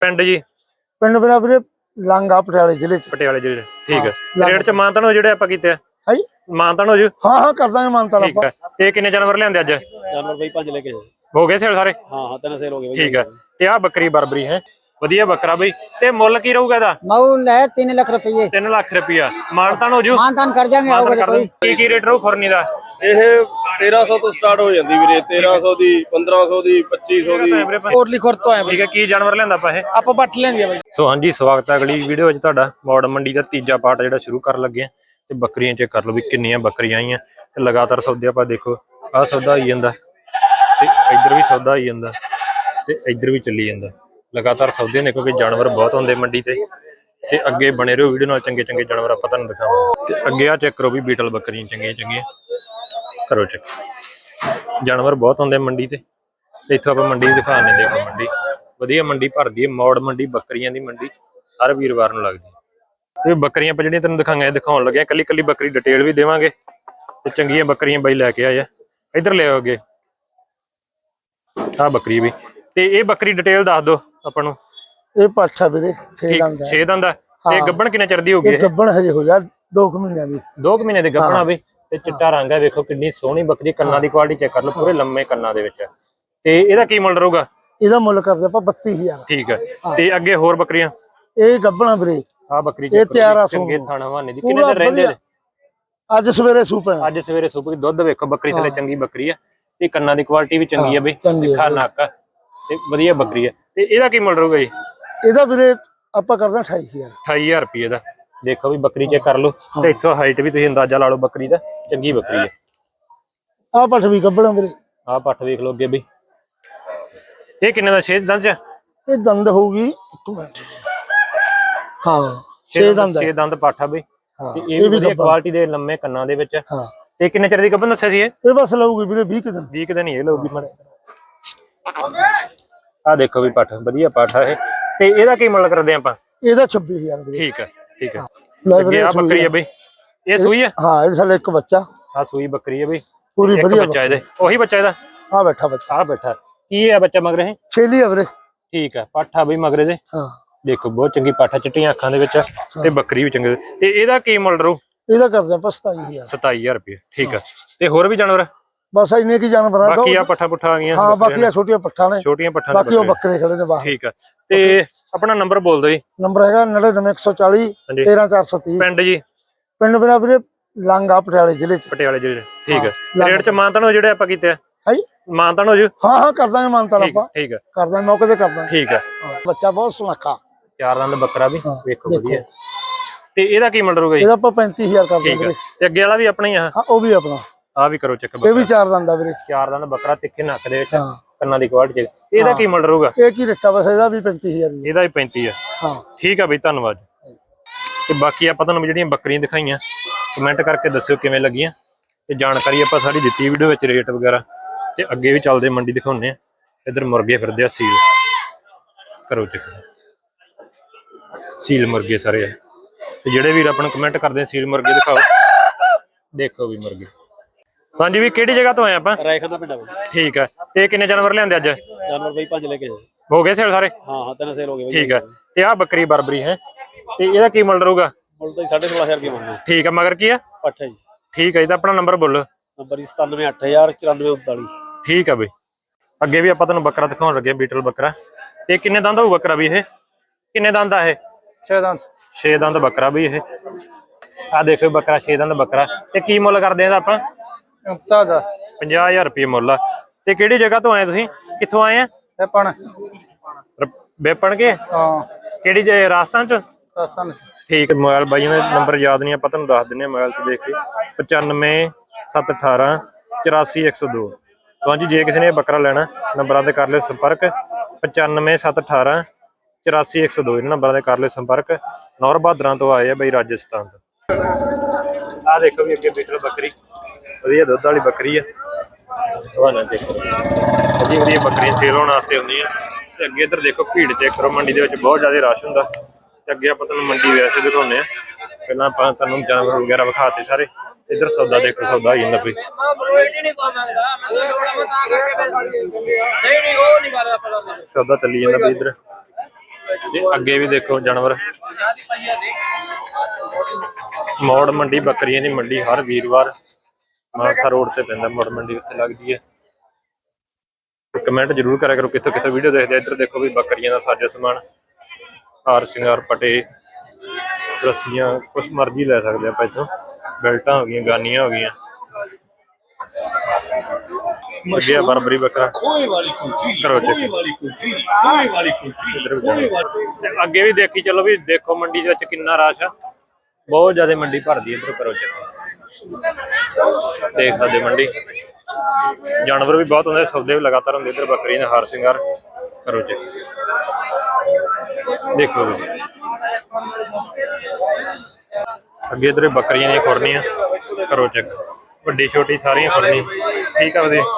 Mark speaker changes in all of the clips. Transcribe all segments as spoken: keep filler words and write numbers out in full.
Speaker 1: ਪਿੰਡ ਜੀ?
Speaker 2: ਪਿੰਡ ਮੇਰਾ ਵੀਰੇ ਲਾਂਗਾ ਪਟਿਆਲੇ ਜ਼ਿਲ੍ਹੇ ਚ।
Speaker 1: ਪਟਿਆਲੇ ਜ਼ਿਲ੍ਹੇ ਠੀਕ ਹੈ। ਰੇਟ ਚ ਮਾਨਤਾਨ ਹੋ ਜਿਹੜੇ ਆਪਾਂ ਕੀਤੇ
Speaker 2: ਹੈ
Speaker 1: ਮਾਨਤਾਨ ਹੋ ਜੂ?
Speaker 2: ਹਾਂ ਹਾਂ ਕਰ ਦਾਂਗੇ ਮਾਨਤਾਨ ਆਪਾਂ।
Speaker 1: ਤੇ ਕਿੰਨੇ ਜਾਨਵਰ ਲਿਆਂਦੇ ਅੱਜ?
Speaker 3: ਜਾਨਵਰ ਬਈ ਪੰਜ ਲੈ ਕੇ
Speaker 1: ਹੋ ਗਏ ਸੇਲ ਸਾਰੇ?
Speaker 3: ਹਾਂ ਹਾਂ ਤਿੰਨ ਸੇਲ ਹੋ ਗਏ
Speaker 1: ਠੀਕ ਹੈ। ਤੇ ਆ ਬੱਕਰੀ ਬਰਬਰੀ ਹੈ, ਵਧੀਆ ਬੱਕਰਾ ਬਈ। ਤੇ ਮੁੱਲ ਕੀ ਰਹੂਗਾ ਇਹਦਾ?
Speaker 4: ਮੁੱਲ ਹੈ ਤਿੰਨ ਲੱਖ ਰੁਪਏ।
Speaker 1: ਤਿੰਨ ਲੱਖ ਰੁਪਇਆ ਮਾਨਤਾਨ ਹੋ ਜੂ?
Speaker 4: ਮਾਨਤਾਨ ਕਰ ਜਾਾਂਗੇ। ਆਓਗੇ ਕੋਈ?
Speaker 1: ਕੀ ਕੀ ਰੇਟ ਰਹੂ ਖੁਰਨੀ ਦਾ?
Speaker 5: ਇਹ ਤੇਰਾਂ ਸੌ ਤੋਂ ਸਟਾਰਟ ਹੋ ਜਾਂਦੀ ਵੀਰੇ। ਤੇਰਾਂ ਸੌ ਦੀ, ਪੰਦਰਾਂ ਸੌ ਦੀ, ਪੱਚੀ ਸੌ ਦੀ।
Speaker 2: ਕੋਟਲੀ ਖੁਰ ਤੋਂ ਆਏ
Speaker 1: ਠੀਕ ਹੈ। ਕੀ ਜਾਨਵਰ ਲਿਆਂਦਾ ਆਪਾਂ ਇਹ?
Speaker 2: ਆਪਾਂ ਬੱਠ ਲੈਂਦੇ ਆ ਬਾਈ।
Speaker 1: ਸੋ ਹਾਂਜੀ, ਸਵਾਗਤ ਹੈ ਅਗਲੀ ਵੀਡੀਓ ਵਿੱਚ ਤੁਹਾਡਾ। ਮੌੜ ਮੰਡੀ ਦਾ ਤੀਜਾ ਪਾਰਟ ਜਿਹੜਾ ਸ਼ੁਰੂ ਕਰਨ ਲੱਗੇ ਆ। ਤੇ ਬੱਕਰੀਆਂ ਚੈੱਕ ਕਰ ਲਓ ਵੀ ਕਿੰਨੀਆਂ ਬੱਕਰੀਆਂ ਆਈਆਂ ਤੇ ਲਗਾਤਾਰ ਸੌਦੇ ਆਪਾਂ ਦੇਖੋ। ਆਹ ਸੌਦਾ ਆਈ ਜਾਂਦਾ ਤੇ ਇੱਧਰ ਵੀ ਸੌਦਾ ਆਈ ਜਾਂਦਾ ਤੇ ਇੱਧਰ ਵੀ ਚੱਲੀ ਜਾਂਦਾ ਲਗਾਤਾਰ ਸੌਦੇ ਨੇ, ਕਿਉਂਕਿ ਜਾਨਵਰ ਬਹੁਤ ਹੁੰਦੇ ਮੰਡੀ ਤੇ। ਤੇ ਅੱਗੇ ਬਣੇ ਰਹੋ ਵੀਡੀਓ ਨਾਲ, ਚੰਗੇ ਚੰਗੇ ਜਾਨਵਰ ਆਪਾਂ ਤੁਹਾਨੂੰ ਦਿਖਾਵਾਂਗੇ। ਤੇ ਅੱਗੇ ਆ ਚੈੱਕ ਕਰੋ ਵੀ ਬੀਟਲ ਬੱਕਰੀਆਂ ਚੰਗੀਆਂ ਚੰਗੀਆਂ ਕਰੋ ਚੈੱਕ। ਜਾਨਵਰ ਬਹੁਤ ਹੁੰਦੇ ਮੰਡੀ ਤੇ। ਤੇ ਇੱਥੋਂ ਆਪਾਂ ਮੰਡੀ ਦਿਖਾਣੇ। ਦੇਖੋ ਮੰਡੀ ਵਧੀਆ ਮੰਡੀ ਭਰਦੀ ਹੈ। ਮੌੜ ਮੰਡੀ ਬੱਕਰੀਆਂ ਦੀ ਮੰਡੀ ਹਰ ਵੀਰਵਾਰ ਨੂੰ ਲੱਗਦੀ ਹੈ। ਇਹ ਬੱਕਰੀਆਂ ਆਪਾਂ ਜਿਹੜੀਆਂ ਤੈਨੂੰ ਦਿਖਾਈਆਂ ਦਿਖਾਉਣ ਲੱਗੇ, ਕੱਲੀ ਕੱਲੀ ਬੱਕਰੀ ਡਿਟੇਲ ਵੀ ਦੇਵਾਂਗੇ। ਤੇ ਚੰਗੀਆਂ ਬੱਕਰੀਆਂ ਬਾਈ ਲੈ ਕੇ ਆਏ ਆ। ਇੱਧਰ ਲੈ ਆਓਗੇ ਆਹ ਬੱਕਰੀ ਵੀ। ਤੇ ਇਹ ਬੱਕਰੀ ਡਿਟੇਲ ਦੱਸ ਦਿਓ ਆਪਾਂ ਨੂੰ।
Speaker 2: ਇਹ ਪਾਠਾ ਵੀਰੇ ਛੇ ਦੰਦ ਹੈ।
Speaker 1: ਛੇ ਦੰਦ ਹੈ। ਤੇ ਗੱਬਣ ਕਿੰਨੇ ਚਿਰ ਦੀ ਹੋ ਗਈ?
Speaker 2: ਇਹ ਗੱਬਣ ਹਜੇ ਹੋ ਜਾ ਦੋ ਕੁ ਮਹੀਨਿਆਂ ਦੀ।
Speaker 1: ਦੋ ਕੁ ਮਹੀਨੇ ਦੀ ਗੱਬਣ ਆ ਵੀ। ਤੇ ਚਿੱਟਾ ਰੰਗ ਹੈ, ਵੇਖੋ ਕਿੰਨੀ ਸੋਹਣੀ ਬੱਕਰੀ। ਕੰਨਾਂ ਦੀ ਕੁਆਲਿਟੀ ਚੈੱਕ ਕਰ ਲਓ, ਪੂਰੇ ਲੰਮੇ ਕੰਨਾਂ ਦੇ ਵਿੱਚ। ਤੇ ਇਹਦਾ ਕੀ ਮੁੱਲ ਰਹੂਗਾ?
Speaker 2: ਇਹਦਾ ਮੁੱਲ ਕਰਦੇ ਆਪਾਂ ਬੱਤੀ ਹਜ਼ਾਰ।
Speaker 1: ਠੀਕ ਹੈ। ਤੇ ਅੱਗੇ ਹੋਰ ਬੱਕਰੀਆਂ?
Speaker 2: ਇਹ ਗੱਬਣਾ ਵੀਰੇ।
Speaker 1: ਆ ਬੱਕਰੀ
Speaker 2: ਇਹ ਤਿਆਰ
Speaker 1: ਚੰਗੇ ਥਣ ਹਵਾਨੇ ਦੀ। ਕਿੰਨੇ ਦਿਨ ਰਹਿੰਦੇ ਨੇ?
Speaker 2: ਅੱਜ ਸਵੇਰੇ ਸੂਪ ਹੈ।
Speaker 1: ਅੱਜ ਸਵੇਰੇ ਸੂਪ ਦੀ। ਦੁੱਧ ਵੇਖੋ ਬੱਕਰੀ ਥੱਲੇ ਚੰਗੀ ਬੱਕਰੀ ਆ। ਤੇ ਕੰਨਾਂ ਦੀ ਕੁਆਲਿਟੀ ਵੀ ਚੰਗੀ ਆ ਬਈ। ਤਿੱਖਾ ਨੱਕ ਤੇ ਵਧੀਆ ਬੱਕਰੀ ਆ। ਤੇ ਇਹਦਾ ਕੀ ਮੁੱਲ ਰਹੂਗਾ ਜੀ?
Speaker 2: ਇਹਦਾ ਵੀਰੇ ਆਪਾਂ ਕਰਦੇ ਅਠਾਈ ਹਜ਼ਾਰ।
Speaker 1: ਅਠਾਈ ਹਜ਼ਾਰ ਰੁਪਏ ਦਾ। ਦੇਖੋ ਵੀ ਬੱਕਰੀ ਚੈੱਕ ਕਰ ਲਓ। ਤੇ ਇੱਥੋਂ ਹਾਈਟ ਵੀ ਤੁਸੀਂ ਅੰਦਾਜ਼ਾ ਲਾ ਲਓ ਬੱਕਰੀ ਦਾ। ਚੰਗੀ ਬੱਕਰੀ ਹੈ।
Speaker 2: ਆਹ ਪੱਠ ਵੀ ਗੱਬਣਾ ਵੀਰੇ।
Speaker 1: ਆਹ ਪੱਠ ਵੇਖ ਲਓ ਅੱਗੇ ਬਈ। ਇਹ ਕਿੰਨੇ ਦਾ? ਛੇ ਦੰਦ ਚ?
Speaker 2: ਇਹ ਦੰਦ ਹੋਊਗੀ ਇੱਕ ਮਿੰਟ। ਹਾਂ ਛੇ ਦੰਦ
Speaker 1: ਛੇ ਦੰਦ ਪੱਠ ਆ ਬਈ।
Speaker 2: ਹਾਂ
Speaker 1: ਤੇ ਇਹ ਵੀ ਵਧੀਆ ਕੁਆਲਿਟੀ ਦੇ ਲੰਮੇ ਕੰਨਾਂ ਦੇ ਵਿੱਚ।
Speaker 2: ਹਾਂ।
Speaker 1: ਤੇ ਕਿੰਨੇ ਚਿਰ ਦੀ ਗੱਭਣ ਦੱਸਿਆ ਸੀ ਇਹ?
Speaker 2: ਇਹ ਬਸ ਲਊਗੀ ਵੀਰੇ ਵੀਹ ਕੁ ਦਿਨ।
Speaker 1: ਵੀਹ ਕੁ ਦਿਨ ਹੀ ਇਹ ਲਊਗੀ ਮਾੜੇ। ਆਹ ਦੇਖੋ ਵੀ ਪੱਠ ਵਧੀਆ ਪੱਠ ਆ ਇਹ। ਤੇ ਇਹਦਾ ਕੀ ਮੁੱਲ ਕਰਦੇ ਆਪਾਂ?
Speaker 2: ਇਹਦਾ ਛੱਬੀ ਹਜ਼ਾਰ ਵੀਰੇ।
Speaker 1: ਠੀਕ ਹੈ ਠੀਕ ਹੈ।
Speaker 2: ਲੈ
Speaker 1: ਆ ਬੱਕਰੀ ਹੈ ਬਈ। ਇਹ ਸੂਈ ਹੈ?
Speaker 2: ਹਾਂ ਇਹ ਸਾਲੇ ਇੱਕ ਬੱਚਾ।
Speaker 1: ਆ ਸੂਈ ਬੱਕਰੀ ਹੈ ਬਈ।
Speaker 2: ਪੂਰੀ ਵਧੀਆ
Speaker 1: ਬੱਚਾ ਇਹਦੇ। ਉਹੀ ਬੱਚਾ ਇਹਦਾ?
Speaker 2: ਆ ਬੈਠਾ ਬੱਚਾ।
Speaker 1: ਆ ਬੈਠਾ। ਕੀ ਹੈ ਬੱਚਾ ਮਗਰ ਇਹ?
Speaker 2: ਛੇਲੀ ਆ ਵੀਰੇ।
Speaker 1: ਠੀਕ ਹੈ। ਪੱਠ ਆ ਬਈ ਮਗਰੇ ਦੇ।
Speaker 2: ਹਾਂ
Speaker 1: ਦੇਖੋ ਬਹੁਤ ਚੰਗੀ ਪੱਠ ਆ, ਚਿੱਟੀਆਂ ਅੱਖਾਂ ਦੇ ਵਿੱਚ। ਤੇ ਬੱਕਰੀ ਵੀ ਚੰਗੀ। ਤੇ ਇਹਦਾ ਕੀ ਮੁੱਲ ਰਹੂ?
Speaker 2: ਇਹਦਾ ਕਰਦੇ ਆਪਾਂ ਸਤਾਈ ਹਜ਼ਾਰ।
Speaker 1: ਸਤਾਈ ਹਜ਼ਾਰ ਰੁਪਏ। ਠੀਕ ਹੈ। ਤੇ ਹੋਰ ਵੀ ਜਾਨਵਰ?
Speaker 2: ਬਸ ਇੰਨੇ ਕੀ ਜਾਨਵਰ ਆ।
Speaker 1: ਬਾਕੀ ਆ ਪੱਠਾ ਪੁੱਠਾ ਆ ਗਈਆਂ।
Speaker 2: ਹਾਂ ਬਾਕੀ ਆ ਛੋਟੀਆਂ ਪੱਠਾਂ ਨੇ।
Speaker 1: ਛੋਟੀਆਂ ਪੱਠਾਂ
Speaker 2: ਬਾਕੀ ਉਹ ਬੱਕਰੇ ਖੜੇ ਨੇ ਬਾਹਰ।
Speaker 1: ਠੀਕ ਹੈ। ਤੇ ਆਪਣਾ ਨੰਬਰ ਬੋਲ ਦਿਓ ਜੀ।
Speaker 2: ਨੰਬਰ ਹੈਗਾ ਨੜਿਨਵੇਂ ਇੱਕ ਸੌ ਚਾਲੀ ਤੇਰਾਂ ਚਾਰ ਸੌ ਤੀਹ।
Speaker 1: ਪਿੰਡ ਜੀ?
Speaker 2: ਪਿੰਡ ਮੇਰਾ ਵੀਰੇ ਲਾਂਗਾ ਪਟਿਆਲੇ ਜ਼ਿਲ੍ਹੇ ਚ।
Speaker 1: ਪਟਿਆਲੇ ਜ਼ਿਲ੍ਹੇ। ਠੀਕ ਹੈ। ਰੇਟ ਚ ਮਾਨਤਾਨ ਹੋ ਜਿਹੜੇ ਆਪਾਂ ਕੀਤੇ ਆ?
Speaker 2: ਹੈ
Speaker 1: ਮਾਨਤਾਨ ਹੋ ਜੂ?
Speaker 2: ਹਾਂ ਹਾਂ ਕਰ ਦਾਂਗੇ ਮਾਨਤਾਨ ਆਪਾਂ।
Speaker 1: ਠੀਕ ਹੈ।
Speaker 2: ਕਰ ਦਾਂਗੇ ਮੌਕੇ ਤੇ ਕਰ ਦਾਂਗੇ।
Speaker 1: ਠੀਕ ਹੈ।
Speaker 2: ਬੱਚਾ ਬਹੁਤ ਸੁਨੱਖਾ।
Speaker 1: ਚਾਰ ਦੰਦ ਬੱਕਰਾ ਵੀ ਵੇਖੋ ਵਧੀਆ। ਤੇ ਇਹਦਾ ਕੀ ਮੁੱਲ ਰਹੂਗਾ ਜੀ?
Speaker 2: ਇਹਦਾ ਆਪਾਂ ਪੈਂਤੀ ਹਜ਼ਾਰ ਕਰ ਦਾਂਗੇ ਵੀਰੇ।
Speaker 1: ਤੇ ਅੱਗੇ ਵਾਲਾ ਵੀ ਆਪਣਾ ਹੀ ਆ?
Speaker 2: ਹਾਂ ਉਹ ਵੀ ਆਪਣਾ।
Speaker 1: ਆ ਵੀ ਕਰੋ ਚੈੱਕ।
Speaker 2: ਇਹ ਵੀ ਚਾਰ ਦੰਦ ਆ ਵੀਰੇ।
Speaker 1: ਚਾਰ ਦੰਦ ਬੱਕਰਾ, ਤਿੱਖੇ ਨੱਕ ਦੇ ਵਿੱਚ, ਕੰਨਾਂ ਦੀ ਕੁਆਲਿਟੀ। ਇਹਦਾ ਕੀ ਮੁੱਲ ਰਹੂਗਾ?
Speaker 2: ਇਹ ਕੀ ਰਿਸ਼ਤਾ ਬਸ ਇਹਦਾ ਵੀ ਪੈਂਤੀ ਹਜ਼ਾਰ।
Speaker 1: ਇਹਦਾ ਵੀ ਪੈਂਤੀ ਆ।
Speaker 2: ਹਾਂ
Speaker 1: ਠੀਕ ਆ ਬਈ, ਧੰਨਵਾਦ। ਤੇ ਬਾਕੀ ਆਪਾਂ ਤੁਹਾਨੂੰ ਜਿਹੜੀਆਂ ਬੱਕਰੀਆਂ ਦਿਖਾਈਆਂ ਕਮੈਂਟ ਕਰਕੇ ਦੱਸਿਓ ਕਿਵੇਂ ਲੱਗੀਆਂ। ਤੇ ਜਾਣਕਾਰੀ ਆਪਾਂ ਸਾਰੀ ਦਿੱਤੀ ਵੀਡੀਓ ਵਿੱਚ, ਰੇਟ ਵਗੈਰਾ। ਤੇ ਅੱਗੇ ਵੀ ਚੱਲਦੇ ਮੰਡੀ ਦਿਖਾਉਂਦੇ ਆ। ਇੱਧਰ ਮੁਰਗੇ ਫਿਰਦੇ ਆ ਸੀਲ ਕਰੋ ਚੈੱਕ। ਸੀਲ ਮੁਰਗੇ ਸਾਰੇ ਆ। ਤੇ ਜਿਹੜੇ ਵੀਰ ਆਪਾਂ ਨੂੰ ਕਮੈਂਟ ਕਰਦੇ ਆ ਸੀਲ ਮੁਰਗੇ ਦਿਖਾਓ। ਦੇਖੋ ਵੀ ਮੁਰਗੇ। ਹਾਂਜੀ ਵੀ ਕਿਹੜੀ ਜਗ੍ਹਾ ਤੋਂ ਆਏ ਆਪਾਂ?
Speaker 3: ਰਾਏਖਾਨਾ ਪਿੰਡ।
Speaker 1: ਠੀਕ ਹੈ। ਤੇ ਕਿੰਨੇ ਜਾਨਵਰ ਲਿਆਂਦੇ ਅੱਜ?
Speaker 3: ਜਾਨਵਰ ਬਈ ਪੰਜ ਲੈ ਕੇ
Speaker 1: ਹੋ ਗਏ ਸੇਲ ਸਾਰੇ?
Speaker 3: ਹਾਂ ਹਾਂ ਤਿੰਨ ਸੇਲ ਹੋ ਗਏ।
Speaker 1: ਠੀਕ ਹੈ। ਤੇ ਆਹ ਬੱਕਰੀ ਬਰਬਰੀ ਹੈ। ਤੇ ਇਹਦਾ ਕੀ ਮੁੱਲ ਰਹੂਗਾ?
Speaker 3: ਮੁੱਲ ਤਾਂ ਸਾਢੇ ਸੋਲਾਂ ਹਜ਼ਾਰ ਰੁਪਏ ਮੰਗਦੇ।
Speaker 1: ਠੀਕ ਹੈ। ਮਗਰ ਕੀ ਆ?
Speaker 3: ਪੱਠਾ ਜੀ।
Speaker 1: ਠੀਕ ਹੈ ਜੀ। ਤਾਂ ਆਪਣਾ ਨੰਬਰ ਬੋਲੋ।
Speaker 3: ਨੰਬਰ ਸਤਾਨਵੇਂ ਅੱਠ ਹਜ਼ਾਰ ਚੁਰਾਨਵੇਂ ਉਨਤਾਲੀ।
Speaker 1: ਠੀਕ ਹੈ ਬਈ। ਅੱਗੇ ਵੀ ਆਪਾਂ ਤੁਹਾਨੂੰ ਬੱਕਰਾ ਦਿਖਾਉਣ ਲੱਗੇ, ਬੀਟਲ ਬੱਕਰਾ। ਤੇ ਕਿੰਨੇ ਦੰਦ ਹੋਊ ਬੱਕਰਾ ਵੀ ਇਹ? ਕਿੰਨੇ ਦੰਦ ਆ ਇਹ?
Speaker 2: ਛੇ ਦੰਦ।
Speaker 1: ਛੇ ਦੰਦ ਬੱਕਰਾ ਵੀ ਇਹ। ਆ ਦੇਖੋ ਬੱਕਰਾ, ਛੇ ਦੰਦ ਬੱਕਰਾ। ਤੇ ਕੀ ਮੁੱਲ ਕਰਦੇ ਆ ਆਪਾਂ? ਪੰਜਾਹ ਹਜ਼ਾਰ ਰੁਪਏ ਮੁੱਲ ਆ। ਤੇ ਕਿਹੜੀ ਜਗ੍ਹਾ ਤੋਂ ਆਏ ਤੁਸੀਂ? ਕਿੱਥੋਂ ਆਏ ਆ?
Speaker 2: ਬੇਪਣ।
Speaker 1: ਬੇਪਣ ਕੇ?
Speaker 2: ਹਾਂ।
Speaker 1: ਕਿਹੜੀ ਜੇ ਰਾਜਸਥਾਨ ਚ?
Speaker 2: ਰਾਜਸਥਾਨ।
Speaker 1: ਠੀਕ। ਮੋਬਾਈਲ ਬਾਈਆਂ ਦਾ ਨੰਬਰ ਯਾਦ ਨਹੀਂ, ਆਪਾਂ ਤੁਹਾਨੂੰ ਦੱਸ ਦਿੰਦੇ ਹਾਂ ਮੋਬਾਈਲ ਤੇ ਦੇਖ ਕੇ। ਪਚਾਨਵੇਂ ਸੱਤ ਅਠਾਰਾਂ ਚੁਰਾਸੀ ਇੱਕ ਸੌ ਦੋ। ਹਾਂਜੀ ਜੇ ਕਿਸੇ ਨੇ ਬੱਕਰਾ ਲੈਣਾ ਨੰਬਰਾਂ ਤੇ ਕਰ ਲਿਓ ਸੰਪਰਕ। ਪਚਾਨਵੇਂ ਸੱਤ ਅਠਾਰਾਂ ਚੁਰਾਸੀ ਇੱਕ ਸੌ ਦੋ। ਇਹਨਾਂ ਨੰਬਰਾਂ ਤੇ ਕਰ ਲਿਓ ਸੰਪਰਕ। ਨੌਰ ਬਹਾਦਰਾਂ ਤੋਂ ਆਏ ਆ ਬਈ, ਰਾਜਸਥਾਨ ਤੋਂ। ਆਹ ਦੇਖੋ ਵੀ ਅੱਗੇ ਬੀਟਲ ਬੱਕਰੀ, ਵਧੀਆ ਦੁੱਧ ਵਾਲੀ ਬੱਕਰੀ ਆ। ਤੁਹਾਨੂੰ ਦੇਖੋ ਵਧੀਆ ਵਧੀਆ ਬੱਕਰੀਆਂ ਸੇਲ ਹੋਣ ਵਾਸਤੇ ਹੁੰਦੀਆਂ। ਤੇ ਅੱਗੇ ਇੱਧਰ ਦੇਖੋ ਭੀੜ ਚੈੱਕ ਕਰੋ। ਮੰਡੀ ਦੇ ਵਿੱਚ ਬਹੁਤ ਜ਼ਿਆਦਾ ਰਸ਼ ਹੁੰਦਾ। ਤੇ ਅੱਗੇ ਆਪਾਂ ਤੁਹਾਨੂੰ ਮੰਡੀ ਵੈਸੇ ਦਿਖਾਉਂਦੇ ਆ। ਪਹਿਲਾਂ ਆਪਾਂ ਤੁਹਾਨੂੰ ਜਾਨਵਰ ਵਗੈਰਾ ਵਿਖਾਤੇ ਸਾਰੇ। ਇੱਧਰ ਸੌਦਾ ਦੇਖੋ, ਸੌਦਾ ਆ ਜਾਂਦਾ ਬਈ। ਸੌਦਾ ਚੱਲੀ ਜਾਂਦਾ ਬਈ ਇੱਧਰ। ਤੇ ਅੱਗੇ ਵੀ ਦੇਖੋ ਜਾਨਵਰ। ਮੌੜ ਮੰਡੀ ਬੱਕਰੀਆਂ ਦੀ ਮੰਡੀ ਹਰ ਵੀਰਵਾਰ ਮਾਨਸਾ ਰੋਡ ਤੇ ਪੈਂਦਾ। ਮੌੜ ਮੰਡੀ ਉੱਤੇ ਲੱਗਦੀ ਹੈ। ਕਮੈਂਟ ਜ਼ਰੂਰ ਕਰਿਆ ਕਰੋ ਕਿੱਥੋਂ ਕਿੱਥੋਂ ਵੀਡੀਓ ਦੇਖਦੇ। ਇੱਧਰ ਦੇਖੋ ਵੀ ਬੱਕਰੀਆਂ ਦਾ ਸਾਜੋ ਸਮਾਨ, ਹਾਰ ਸ਼ਿੰਗਾਰ, ਪਟੇ, ਰੱਸੀਆਂ, ਕੁਛ ਮਰਜ਼ੀ ਲੈ ਸਕਦੇ ਆਪਾਂ ਇੱਥੋਂ। ਬੈਲਟਾਂ ਹੋ ਗਈਆਂ, ਗਾਨੀਆਂ ਹੋ ਗਈਆਂ। ਅੱਗੇ ਆ ਬਰਬਰੀ ਬੱਕਰਾ ਕਰੋ ਚੈੱਕ। ਅੱਗੇ ਵੀ ਦੇਖੀ ਚਲੋ ਵੀ ਦੇਖੋ ਮੰਡੀ ਦੇ ਵਿੱਚ ਕਿੰਨਾ ਰਸ਼ ਆ, ਬਹੁਤ ਜ਼ਿਆਦਾ ਮੰਡੀ ਭਰਦੀ। ਇੱਧਰ ਕਰੋ ਚੈੱਕ, ਦੇਖ ਸਕਦੇ ਮੰਡੀ। ਜਾਨਵਰ ਵੀ ਬਹੁਤ ਹੁੰਦੇ, ਸੌਦੇ ਵੀ ਲਗਾਤਾਰ ਹੁੰਦੇ। ਇੱਧਰ ਬੱਕਰੀ ਦੇ ਹਾਰ ਸ਼ਿੰਗਾਰ ਕਰੋ ਚੈੱਕ, ਦੇਖੋ ਜੀ। ਅੱਗੇ ਇੱਧਰ ਬੱਕਰੀਆਂ ਦੀਆਂ ਖੁਰਨੀਆਂ ਕਰੋ ਚੈੱਕ, ਵੱਡੀ ਛੋਟੀ ਸਾਰੀਆਂ ਖੁਰਨੀ। ਠੀਕ ਆ ਵਧੀਆ,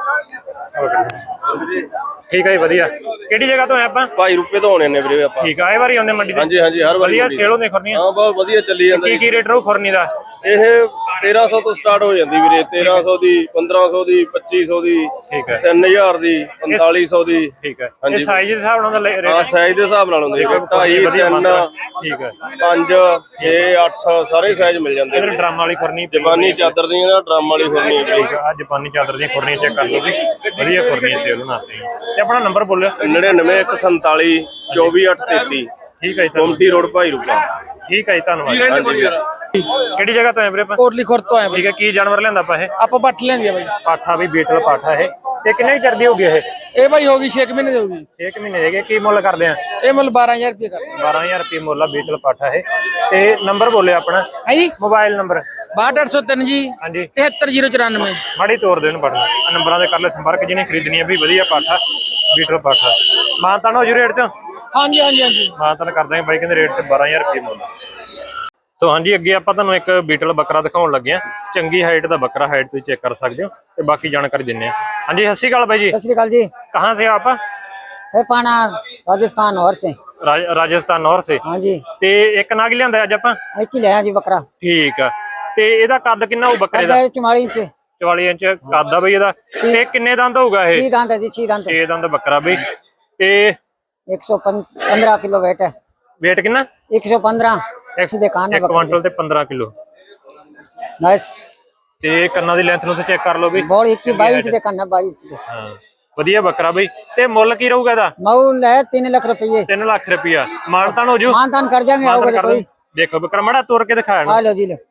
Speaker 1: ਠੀਕ ਆ ਜੀ ਵਧੀਆ। ਕਿਹੜੀ ਜਗ੍ਹਾ ਤੋਂ ਆਏ ਆਪਾਂ?
Speaker 5: ਭਾਈ ਰੁਪਏ ਤੋਂ ਆਉਣੇ ਨੇ ਵੀਰੇ ਆਪਾਂ।
Speaker 1: ਠੀਕ ਆ, ਇਹ ਵਾਰੀ ਆਉਂਦੇ ਮੰਡੀ ਤੇ?
Speaker 5: ਹਾਂਜੀ ਹਾਂਜੀ, ਹਰ ਵਾਰੀ
Speaker 1: ਵਧੀਆ ਸੇਲ ਹੁੰਦੀ ਖੁਰਨੀਆਂ?
Speaker 5: ਹਾਂ ਬਹੁਤ ਵਧੀਆ ਚੱਲੀ ਜਾਂਦਾ
Speaker 1: ਕੀ
Speaker 5: ਜੀ।
Speaker 1: ਕੀ ਰੇਟ ਰਹੂ ਖੁਰਨੀ ਦਾ?
Speaker 5: ਇਹ ਤੇਰਾਂ ਸੌ ਤੋਂ ਸਟਾਰਟ ਹੋ ਜਾਂਦੀ ਵੀਰੇ। ਤੇਰਾਂ ਸੌ ਦੀ, ਪੰਦਰਾਂ ਸੌ ਦੀ, ਪੱਚੀ ਸੌ ਦੀ,
Speaker 1: ਠੀਕ ਹੈ।
Speaker 5: ਤਿੰਨ ਹਜ਼ਾਰ ਦੀ, ਪੰਤਾਲੀ ਸੌ ਦੀ।
Speaker 1: ਠੀਕ ਹੈ। ਇਹ ਸਾਈਜ਼ ਦੇ ਹਿਸਾਬ ਨਾਲ ਰੇਟ?
Speaker 5: ਹਾਂ ਸਾਈਜ਼ ਦੇ ਹਿਸਾਬ ਨਾਲ ਹੁੰਦੇ। ਢਾਈ, ਤਿੰਨ,
Speaker 1: ਠੀਕ ਹੈ,
Speaker 5: ਪੰਜ, ਛੇ, ਅੱਠ ਸਾਰੇ ਸਾਈਜ਼ ਮਿਲ ਜਾਂਦੇ।
Speaker 1: ਇਧਰ ਡਰਮ ਵਾਲੀ ਖੁਰਨੀ,
Speaker 5: ਜਪਾਨੀ ਚਾਦਰ ਦੀਆਂ ਨਾ, ਡਰਮ ਵਾਲੀ ਖੁਰਨੀ।
Speaker 1: ਠੀਕ ਆ, ਜਪਾਨੀ ਚਾਦਰ ਦੀਆਂ ਖੁਰਨੀਆਂ ਚੈੱਕ ਕਰ ਲਓ ਜੀ, ਵਧੀਆ ਖੁਰਨੀਆਂ ਸੇਲ ਹੋਣ ਵਾਸਤੇ। ਤੇ ਆਪਣਾ ਨੰਬਰ ਬੋਲਿਓ।
Speaker 5: ਨੜਿਨਵੇਂ ਇੱਕ ਸੰਤਾਲੀ ਚੌਵੀ ਅੱਠ ਤੇਤੀ।
Speaker 1: ਠੀਕ ਹੈ ਜੀ,
Speaker 5: ਗੁਮਟੀ ਰੋਡ ਭਾਈ ਰੁਪਾ।
Speaker 1: ਠੀਕ ਹੈ ਜੀ, ਧੰਨਵਾਦ। ਕਿਹੜੀ ਜਗ੍ਹਾ ਤੋਂ ਆਏ ਵੀਰੇ ਆਪਾਂ?
Speaker 2: ਕੋਟਲੀ ਖੁਰਦ ਤੋਂ ਆਏ ਬਾਈ।
Speaker 1: ਠੀਕ ਹੈ। ਕੀ ਜਾਨਵਰ ਲਿਆਂਦਾ ਆਪਾਂ? ਇਹ
Speaker 2: ਆਪਾਂ ਪੱਠ ਲੈਂਦੀ ਆ ਬਾਈ।
Speaker 1: ਪਾਠਾ ਵੀ ਬੀਟਲ ਪਾਠਾ ਇਹ। ਤੇ ਕਿੰਨੇ ਚਿਰ ਦੀ ਹੋ ਗਈ ਇਹ?
Speaker 2: ਇਹ ਬਾਈ ਹੋ ਗਈ ਛੇ ਮਹੀਨੇ ਦੀ ਹੋ ਗਈ।
Speaker 1: ਛੇ ਮਹੀਨੇ ਦੇ ਗਏ। ਕੀ ਮੁੱਲ ਕਰਦੇ ਆ?
Speaker 2: ਇਹ ਮੁੱਲ ਬਾਰਾਂ ਹਜ਼ਾਰ ਰੁਪਏ ਕਰਦੇ।
Speaker 1: ਬਾਰਾਂ ਹਜ਼ਾਰ ਰੁਪਏ ਮੁੱਲ ਆ ਬੀਟਲ ਪਾਠਾ ਇਹ। ਤੇ ਨੰਬਰ ਬੋਲਿਓ ਆਪਣਾ,
Speaker 2: ਹੈ ਜੀ
Speaker 1: ਮੋਬਾਈਲ ਨੰਬਰ।
Speaker 2: ਬਾਹਠ ਅੱਠ ਸੌ ਤਿੰਨ ਜੀ,
Speaker 1: ਹਾਂਜੀ,
Speaker 2: ਤਿਹੱਤਰ ਜ਼ੀਰੋ ਚੁਰਾਨਵੇਂ।
Speaker 1: ਮਾੜੀ ਤੋਰ ਦੇਣ ਬਟਨ ਨੰਬਰਾਂ ਦੇ ਕਰ ਲੈ ਸੰਪਰਕ, ਜਿਹਨੇ ਖਰੀਦਣੀ ਹੈ ਵੀ ਵਧੀਆ ਪਾਠਾ ਬੀਟਲ ਪਾਠਾ। ਮਾਨਤਾਨ ਹੋ ਜੂ ਰੇਟ ਚ?
Speaker 2: ਹਾਂਜੀ ਹਾਂਜੀ ਹਾਂਜੀ,
Speaker 1: ਮਾਨਤਾਨ ਕਰ ਦਾਂਗੇ ਬਾਈ, ਕਹਿੰਦੇ ਰੇਟ ਤੇ ਬਾਰਾਂ ਹਜ਼ਾਰ ਰੁਪਏ ਮੁੱਲ। ਸੋ ਹਾਂਜੀ, ਅੱਗੇ ਆਪਾਂ ਤੁਹਾਨੂੰ ਇੱਕ ਬੀਟਲ ਬੱਕਰਾ ਦਿਖਾਉਣ ਲੱਗੇ ਆ। ਚੰਗੀ ਹਾਈਟ ਦਾ ਬੱਕਰਾ, ਹਾਈਟ ਤੁਸੀਂ ਚੈੱਕ ਕਰ ਸਕਦੇ ਹੋ ਤੇ ਬਾਕੀ ਜਾਣਕਾਰੀ ਦਿੰਨੇ ਆ। ਹਾਂਜੀ, ਸਤਿ ਸ਼੍ਰੀ ਅਕਾਲ ਬਾਈ ਜੀ।
Speaker 4: सत श्रीकाल जी।
Speaker 1: कहाँ से आप?
Speaker 4: है पाना राजस्थान और से।
Speaker 1: राज, राजस्थान नौर से।
Speaker 4: हाँ जी,
Speaker 1: ਤੇ ਇੱਕ ਨਾਗ ਲਿਆਂਦਾ ਅੱਜ ਆਪਾਂ?
Speaker 4: एक ही ले जी बकरा।
Speaker 1: ਠੀਕ ਆ। ਤੇ ਇਹਦਾ ਕੱਦ ਕਿੰਨਾ ਹੋਊ ਬੱਕਰੇ ਦਾ?
Speaker 4: चुमाली इंच।
Speaker 1: ਚੁਤਾਲੀ ਇੰਚ ਕੱਦ ਆ ਬਈ ਇਹਦਾ। ਤੇ ਕਿੰਨੇ ਦੰਦ ਹੋਊਗਾ ਇਹ?
Speaker 4: छी दांत है जी, छी दांत।
Speaker 1: ਛੇ ਦੰਦ ਬੱਕਰਾ ਬਈ। ਤੇ
Speaker 4: एक सौ पंद्रह किलो वेट है।
Speaker 1: weight ਕਿੰਨਾ?
Speaker 4: एक सौ पंद्रह।
Speaker 1: ਇੱਕ
Speaker 4: सीधे कान है
Speaker 1: ਇੱਕ ਕੁਆਂਟਲ ਤੇ ਪੰਦਰਾਂ ਕਿਲੋ।
Speaker 4: बस।
Speaker 1: ਤੇ ਕੰਨਾਂ ਦੀ ਲੈਂਥ ਨੂੰ ਤੇ ਚੈੱਕ ਕਰ ਲਓ ਬਈ।
Speaker 4: बॉल इक्की बाईस इंच दे कान है, बाईस दे।
Speaker 1: ਹਾਂ, ਵਧੀਆ ਬੱਕਰਾ ਬਈ। ਤੇ ਮੁੱਲ ਕੀ ਰਹੂਗਾ ਇਹਦਾ?
Speaker 4: मऊल है तीन लाख रुपये।
Speaker 1: ਤਿੰਨ ਲੱਖ ਰੁਪਇਆ। ਮਾਨਤਾਨ ਹੋ ਜੂ?
Speaker 4: मानतान कर देंगे, आओगे तो कोई।
Speaker 1: ਦੇਖੋ ਬੱਕਰਾ ਮਾੜਾ ਤੋੜ ਕੇ ਦਿਖਾਇਆ ਨਾ।
Speaker 4: आ लो जी लो।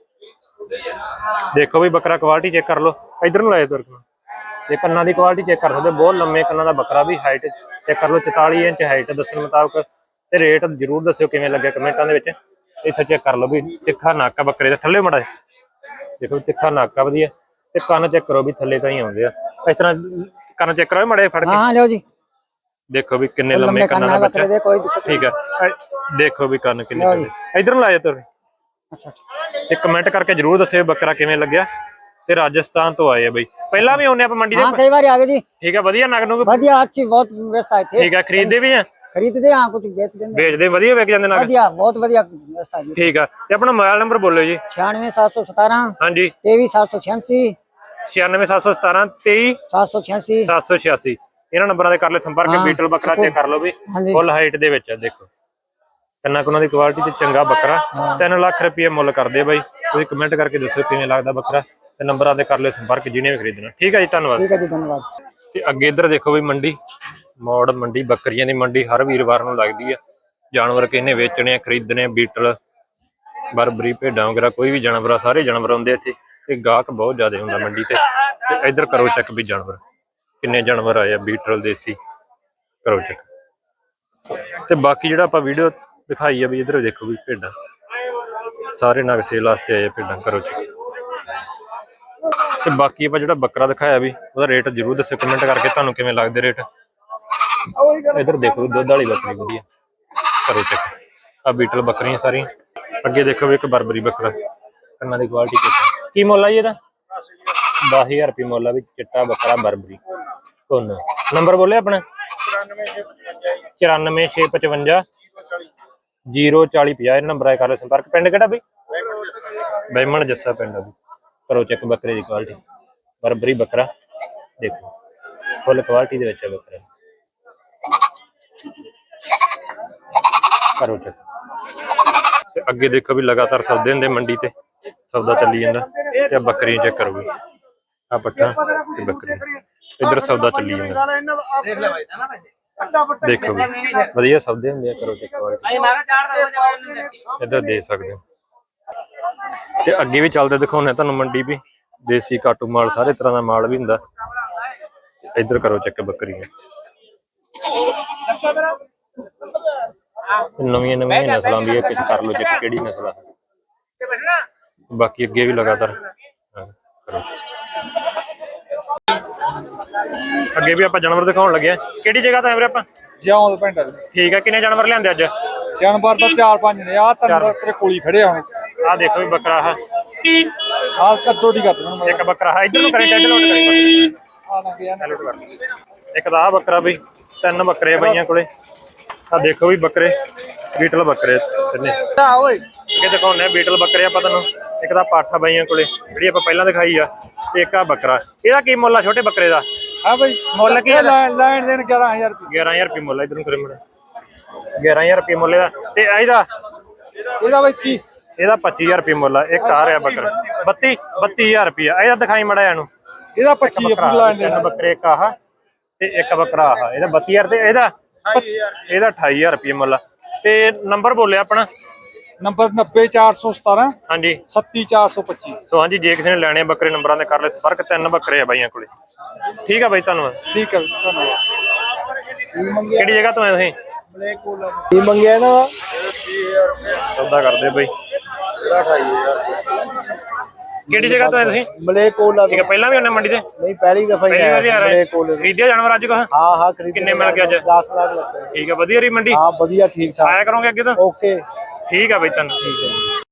Speaker 1: ਦੇਖੋ ਵੀ ਬੱਕਰਾ ਕੁਆਲਿਟੀ ਚੈੱਕ ਕਰ ਲਓ। ਇਧਰ ਨੂੰ ਲਾਏ ਤੁਰ ਕੇ ਤੇ ਕੰਨਾਂ ਦੀ ਕੁਆਲਿਟੀ ਚੈੱਕ ਕਰ ਸਕਦੇ ਹੋ। ਬਹੁਤ ਲੰਮੇ ਕੰਨਾਂ ਦਾ ਬੱਕਰਾ ਵੀ। ਹਾਈਟ ਚੈੱਕ ਕਰ ਲਓ, ਚੁਤਾਲੀ ਇੰਚ ਹਾਈਟ ਦੱਸਣ ਮੁਤਾਬਕ। ਤੇ ਰੇਟ ਜ਼ਰੂਰ ਦੱਸਿਓ ਕਿਵੇਂ ਲੱਗਿਆ ਕਮੈਂਟਾਂ ਦੇ ਵਿੱਚ। ਇੱਥੇ ਚੈੱਕ ਕਰ ਲਓ ਵੀ ਤਿੱਖਾ ਨੱਕ ਆ ਬੱਕਰੇ ਦਾ। ਥੱਲੇ ਮਾੜਾ ਦੇਖੋ, ਤਿੱਖਾ ਨੱਕ ਆ ਵਧੀਆ। ਤੇ ਕੰਨ ਚੈੱਕ ਕਰੋ ਵੀ ਥੱਲੇ ਤਾਂ ਹੀ ਆਉਂਦੇ ਆ ਇਸ ਤਰ੍ਹਾਂ। ਕੰਨ ਚੈੱਕ ਕਰੋ ਮਾੜੇ ਫੜ ਕੇ।
Speaker 4: हाँ लो जी।
Speaker 1: ਦੇਖੋ ਵੀ ਕਿੰਨੇ ਲੰਮੇ
Speaker 4: लंबे
Speaker 1: ਕੰਨਾਂ
Speaker 4: कान
Speaker 1: ਦਾ
Speaker 4: है
Speaker 1: ਬੱਚਾ।
Speaker 4: बकरे दे, कोई दिक्कत
Speaker 1: ਠੀਕ ਹੈ, ਦੇਖੋ ਵੀ ਕੰਨ ਕਿੰਨੇ
Speaker 4: ਲਓ ਜੀ।
Speaker 1: ਇਧਰ ਨੂੰ ਲਾਇਆ ਤੁਰ।
Speaker 4: अच्छा।
Speaker 1: ਤੇ ਕਮੈਂਟ ਕਰਕੇ ਜਰੂਰ ਦੱਸਿਓ ਬੱਕਰਾ ਕਿਵੇਂ ਲੱਗਿਆ। ਤੇ ਰਾਜਸਥਾਨ ਤੋਂ ਆਏ ਆ ਬਈ। ਪਹਿਲਾਂ ਵੀ ਆਉਂਦੇ ਆਪਾਂ ਮੰਡੀ
Speaker 4: हाँ
Speaker 1: ਦੇ?
Speaker 4: कई बार आगे जी।
Speaker 1: ਠੀਕ ਹੈ, ਵਧੀਆ ਨਗ ਨੂੰ।
Speaker 4: बढ़िया अच्छी बहुत व्यवस्था है थे।
Speaker 1: ਠੀਕ ਹੈ, ਖਰੀਦਦੇ ਵੀ ਆ?
Speaker 4: खरीदते हाँ, कुछ बेच देंगे।
Speaker 1: ਵੇਚਦੇ ਵਧੀਆ ਵਿਕ ਜਾਂਦੇ ਨਗ?
Speaker 4: बढ़िया, बहुत बढ़िया व्यवस्था जी।
Speaker 1: ਠੀਕ ਆ। ਤੇ ਆਪਣਾ ਮੋਬਾਈਲ ਨੰਬਰ ਬੋਲੋ ਜੀ।
Speaker 4: छियानवे सात सौ सतारह
Speaker 1: ਹਾਂਜੀ,
Speaker 4: तेईस सात सौ छियासी
Speaker 1: ਛਿਆਨਵੇਂ ਸੱਤ ਸੌ ਸਤਾਰਾਂ ਤੇਈ
Speaker 4: सात सौ छियासी।
Speaker 1: ਸੱਤ ਸੌ ਛਿਆਸੀ। ਇਹਨਾਂ ਨੰਬਰਾਂ ਦੇ ਕਰ ਲੈ ਸੰਪਰਕ।
Speaker 4: ਹਾਂ,
Speaker 1: ਬੀਟਲ ਬੱਕਰਾ ਚੈੱਕ ਕਰ ਲਓ ਵੀ
Speaker 4: ਹਾਂਜੀ।
Speaker 1: ਫੁੱਲ ਹਾਈਟ ਦੇ ਵਿੱਚ ਆ। ਦੇਖੋ ਕੰਨਾਂ ਕੁਨਾਂ ਦੀ ਕੁਆਲਿਟੀ ਤੇ ਚੰਗਾ ਬੱਕਰਾ। ਤਿੰਨ ਲੱਖ ਰੁਪਏ ਮੁੱਲ ਕਰਦੇ ਬਾਈ। ਤੁਸੀਂ ਕਮੈਂਟ ਕਰਕੇ ਦੱਸੋ ਕਿਵੇਂ ਲੱਗਦਾ ਬੱਕਰਾ। ਤੇ ਨੰਬਰਾਂ ਦੇ ਕਰ ਲੈ ਸੰਪਰਕ ਜਿਹਨੇ ਵੀ ਖਰੀਦਣਾ। ਠੀਕ ਹੈ ਜੀ, ਧੰਨਵਾਦ।
Speaker 4: ठीक है जी, धन्यवाद।
Speaker 1: ਤੇ ਅੱਗੇ ਇੱਧਰ ਦੇਖੋ ਵੀ ਮੰਡੀ, ਮੌੜ ਮੰਡੀ ਬੱਕਰੀਆਂ ਦੀ ਮੰਡੀ ਹਰ ਵੀਰਵਾਰ ਨੂੰ ਲੱਗਦੀ ਆ। ਜਾਨਵਰ ਕਿਹਨੇ ਵੇਚਣੇ ਆ, ਖਰੀਦਣੇ ਆ, ਬੀਟਲ, ਬਰਬਰੀ, ਭੇਡਾਂ ਵਗੈਰਾ ਕੋਈ ਵੀ ਜਾਨਵਰ ਆ, ਸਾਰੇ ਜਾਨਵਰ ਆਉਂਦੇ ਇੱਥੇ। ਤੇ ਗਾਹਕ ਬਹੁਤ ਜ਼ਿਆਦਾ ਹੁੰਦਾ ਮੰਡੀ ਤੇ। ਤੇ ਇੱਧਰ ਕਰੋ ਚੈੱਕ ਵੀ ਜਾਨਵਰ ਕਿੰਨੇ ਜਾਨਵਰ ਆਏ ਆ ਬੀਟਲ ਦੇਸੀ। ਕਰੋ ਚੈੱਕ। ਤੇ ਬਾਕੀ ਜਿਹੜਾ ਆਪਾਂ ਵੀਡੀਓ ਦਿਖਾਈ ਆ ਵੀ ਇੱਧਰ ਦੇਖੋ ਵੀ ਭੇਡਾਂ, ਸਾਰੇ ਨਗ ਸੇਲ ਵਾਸਤੇ ਆਏ ਆ ਭੇਡਾਂ। ਕਰੋ ਚੈੱਕ। ਤੇ ਬਾਕੀ ਆਪਾਂ ਜਿਹੜਾ ਬੱਕਰਾ ਦਿਖਾਇਆ ਵੀ ਉਹਦਾ ਰੇਟ ਜ਼ਰੂਰ ਦੱਸਿਓ ਕਮੈਂਟ ਕਰਕੇ ਤੁਹਾਨੂੰ ਕਿਵੇਂ ਲੱਗਦੇ ਰੇਟ। ਇੱਧਰ ਦੇਖੋ ਦੁੱਧ ਵਾਲੀ ਬੱਕਰੀ ਵਧੀਆ। ਕਰੋ ਚੈੱਕ। ਆ ਬੀਟਲ ਬੱਕਰੀਆਂ ਸਾਰੀਆਂ। ਅੱਗੇ ਦੇਖੋ ਵੀ ਇੱਕ ਬਰਬਰੀ ਬੱਕਰਾ, ਕੰਨਾਂ ਦੀ ਕੁਆਲਿਟੀ ਚੈੱਕ। ਕੀ ਮੁੱਲ ਆ ਜੀ ਇਹਦਾ? ਦਸ ਹਜ਼ਾਰ ਰੁਪਏ ਮੁੱਲ ਆ ਵੀ। ਚਿੱਟਾ ਬੱਕਰਾ ਬਰਬਰੀ ਧੁੰਨ। ਨੰਬਰ ਬੋਲਿਆ ਆਪਣਾ? ਚੁਰਾਨਵੇਂ ਛੇ ਪਚਵੰਜਾ ਜੀਰੋ ਚਾਲੀ ਪੰਜਾਹ। ਇਹ ਨੰਬਰ ਆਏ ਕਰ ਲਓ ਸੰਪਰਕ। ਪਿੰਡ ਕਿਹੜਾ ਬਈ? ਬੈਮਣ ਜੱਸਾ ਪਿੰਡ ਆ ਵੀ। ਕਰੋ ਚੈੱਕ ਬੱਕਰੇ ਦੀ ਕੁਆਲਿਟੀ। ਬਰਬਰੀ ਬੱਕਰਾ ਦੇਖੋ, ਫੁੱਲ ਕੁਆਲਿਟੀ ਦੇ ਵਿੱਚ ਆ ਬੱਕਰਾ। ਕਰੋ ਚੈੱਕ। ਤੇ ਅੱਗੇ ਦੇਖੋ ਵੀ ਲਗਾਤਾਰ ਸੌਦੇ ਹੁੰਦੇ ਮੰਡੀ ਤੇ, ਸੌਦਾ ਚੱਲੀ ਜਾਂਦਾ। ਤੇ ਬੱਕਰੀਆਂ ਚੈੱਕ ਕਰੋ ਵੀ, ਆ ਪੱਠਾ ਤੇ ਬੱਕਰੀ, ਇੱਧਰ ਸੌਦਾ ਚੱਲੀ ਜਾਂਦਾ। ਦੇਖੋ ਵੀ ਵਧੀਆ ਸੌਦੇ ਹੁੰਦੇ ਆ, ਕਰੋ ਚੈੱਕ ਇੱਧਰ ਦੇ ਸਕਦੇ ਹੋ। ਤੇ ਅੱਗੇ ਵੀ ਚੱਲਦੇ ਦਿਖਾਉਂਦੇ ਤੁਹਾਨੂੰ ਮੰਡੀ ਵੀ, ਦੇਸੀ ਕਾਟੂ ਮਾਲ ਸਾਰੇ ਤਰ੍ਹਾਂ ਦਾ ਮਾਲ ਵੀ ਹੁੰਦਾ। ਇੱਧਰ ਕਰੋ ਚੈੱਕ ਬੱਕਰੀਆਂ, ਨਵੀਆਂ ਨਵੀਆਂ ਨਸਲਾਂ ਦੀ ਇੱਕ ਕਰ ਲਓ ਚੈੱਕ ਕਿਹੜੀ ਨਸਲ ਆ। ਬਾਕੀ ਅੱਗੇ ਵੀ ਲਗਾਤਾਰ ਕਰੋ। ਅੱਗੇ ਵੀ ਆਪਾਂ ਜਾਨਵਰ ਦਿਖਾਉਣ ਲੱਗੇ ਆ। ਕਿਹੜੀ ਜਗ੍ਹਾ ਤੋਂ ਆਏ ਵੀਰੇ ਆਪਾਂ?
Speaker 2: ਜਿਉਂ ਪਿੰਡ
Speaker 1: ਠੀਕ ਆ, ਕਿੰਨੇ ਜਾਨਵਰ ਲਿਆਂਦੇ ਅੱਜ?
Speaker 2: ਜਾਨਵਰ ਤਾਂ ਚਾਰ ਪੰਜ ਨੇ, ਆ ਤਿੰਨ ਤੇਰੇ ਕੋਲੀ ਖੜੇ ਆ ਹੁਣ।
Speaker 1: ਆਹ ਦੇਖੋ ਵੀ ਬੱਕਰਾ, ਆਹ
Speaker 2: ਆ ਕੱਟੋ ਦੀ ਕਰ ਦੇਣਾ
Speaker 1: ਇੱਕ ਬੱਕਰਾ, ਆਹ ਇੱਧਰ ਨੂੰ ਕਰੀ, ਟੈਡ ਲੋਡ ਕਰੀ,
Speaker 2: ਆ ਨਾ ਗਿਆ ਨਾ।
Speaker 1: ਇੱਕ ਤਾਂ ਆਹ ਬੱਕਰਾ ਬਈ, ਤਿੰਨ ਬੱਕਰੇ ਆ ਬਾਈਆਂ ਕੋਲੇ। ਆਹ ਦੇਖੋ ਵੀ ਬੱਕਰੇ ਬੀਟਲ ਬੱਕਰੇ ਤਿੰਨੇ।
Speaker 2: ਓਏ
Speaker 1: ਅੱਗੇ ਦਿਖਾਉਂਦੇ ਆ ਬੀਟਲ ਬੱਕਰੇ ਆਪਾਂ ਤੁਹਾਨੂੰ। ਇੱਕ ਤਾਂ ਪਾਠਾ ਬਾਈਆਂ ਕੋਲੇ ਜਿਹੜੀ ਆਪਾਂ ਪਹਿਲਾਂ ਦਿਖਾਈ ਆ, ਤੇ ਇੱਕ ਆ ਬੱਕਰਾ। ਇਹਦਾ ਕੀ ਮੁੱਲ ਆ ਛੋਟੇ ਬੱਕਰੇ ਦਾ?
Speaker 2: ਹਾਂ ਬਈ
Speaker 1: ਮੁੱਲ ਕੀ
Speaker 2: ਲੈਣ ਦੇਣ ਗਿਆਰਾਂ ਹਜ਼ਾਰ ਰੁਪਏ।
Speaker 1: ਗਿਆਰਾਂ ਹਜ਼ਾਰ ਰੁਪਏ ਮੁੱਲ ਆ। ਇੱਧਰ ਨੂੰ ਕਰੇ ਮੁੰਡਾ, ਗਿਆਰਾਂ ਹਜ਼ਾਰ ਰੁਪਏ ਮੁੱਲ ਇਹਦਾ। ਤੇ ਇਹਦਾ
Speaker 2: ਇਹਦਾ ਬਈ ਕੀ?
Speaker 1: ਇਹਦਾ ਪੱਚੀ ਹਜ਼ਾਰ ਰੁਪਏ ਮੁੱਲ ਆ। ਇੱਕ ਆ ਰਿਹਾ ਬੱਕਰਾ ਬੱਤੀ ਬੱਤੀ ਹਜ਼ਾਰ ਰੁਪਇਆ। ਇਹਦਾ ਦਿਖਾਈ ਮੜਾ ਇਹਨੂੰ।
Speaker 2: ਇਹਦਾ ਪੱਚੀ ਆ ਪੂਰਾ ਲੈਣ
Speaker 1: ਤਿੰਨ ਬੱਕਰੇ, ਇੱਕ ਆਹ ਤੇ ਇੱਕ ਬੱਕਰਾ ਆਹ। ਇਹਦਾ ਬੱਤੀ ਹਜ਼ਾਰ ਤੇ ਇਹਦਾ ਇਹਦਾ ਅਠਾਈ ਹਜ਼ਾਰ ਰੁਪਏ ਮੁੱਲ ਆ। ਤੇ ਨੰਬਰ ਬੋਲਿਆ ਆਪਣਾ?
Speaker 2: ਨੰਬਰ ਨੱਬੇ ਚਾਰ ਸੌ ਸਤਾਰਾਂ
Speaker 1: ਹਾਂਜੀ
Speaker 2: ਸੱਤੀ ਚਾਰ ਸੌ ਪੱਚੀ।
Speaker 1: ਸੋ ਹਾਂਜੀ, ਜੇ ਕਿਸੇ ਨੇ ਲੈਣੇ ਬੱਕਰੇ ਨੰਬਰਾਂ ਤੇ ਕਰ ਲੈ ਸੰਪਰਕ। ਤਿੰਨ ਬੱਕਰੇ ਆ ਬਾਈਆਂ ਕੋਲੇ। ਠੀਕ ਆ ਬਾਈ, ਧੰਨਵਾਦ।
Speaker 2: ਠੀਕ ਹੈ ਧੰਨਵਾਦ।
Speaker 1: ਕਿਹੜੀ ਜਗ੍ਹਾ ਤੋਂ ਆਏ ਤੁਸੀਂ?
Speaker 2: ਕੀ ਮੰਗਿਆ ਨਾ?
Speaker 1: ਸੌਦਾ ਕਰਦੇ ਬਾਈ। ਕਿਹੜੀ ਜਗ੍ਹਾ ਤੋਂ ਆਏ ਤੁਸੀਂ?
Speaker 2: ਮਲੇਕੋਲਾ।
Speaker 1: ਠੀਕ ਹੈ, ਪਹਿਲਾਂ ਵੀ ਉਹਨੇ ਮੰਡੀ ਤੇ?
Speaker 2: ਨਹੀਂ ਪਹਿਲੀ ਦਫਾ
Speaker 1: ਪਹਿਲੀ ਵਾਰੀ ਆ ਰਹੇ। ਖਰੀਦਿਆ ਜਾਨਵਰ ਅੱਜ ਕੋ?
Speaker 2: ਹਾਂ ਹਾਂ ਖਰੀਦ।
Speaker 1: ਕਿੰਨੇ ਮਿਲ ਗਏ ਅੱਜ?
Speaker 2: ਦਸ ਲੱਖ ਲੱਗੇ।
Speaker 1: ਠੀਕ ਹੈ, ਵਧੀਆ ਰਹੀ ਮੰਡੀ?
Speaker 2: ਹਾਂ ਵਧੀਆ ਠੀਕ ਠਾਕ।
Speaker 1: ਆਇਆ ਕਰੋਗੇ ਅੱਗੇ ਤੋਂ?
Speaker 2: ਓਕੇ
Speaker 1: ਠੀਕ ਆ ਬਾਈ, ਧੰਨਵਾਦ। ਠੀਕ ਹੈ।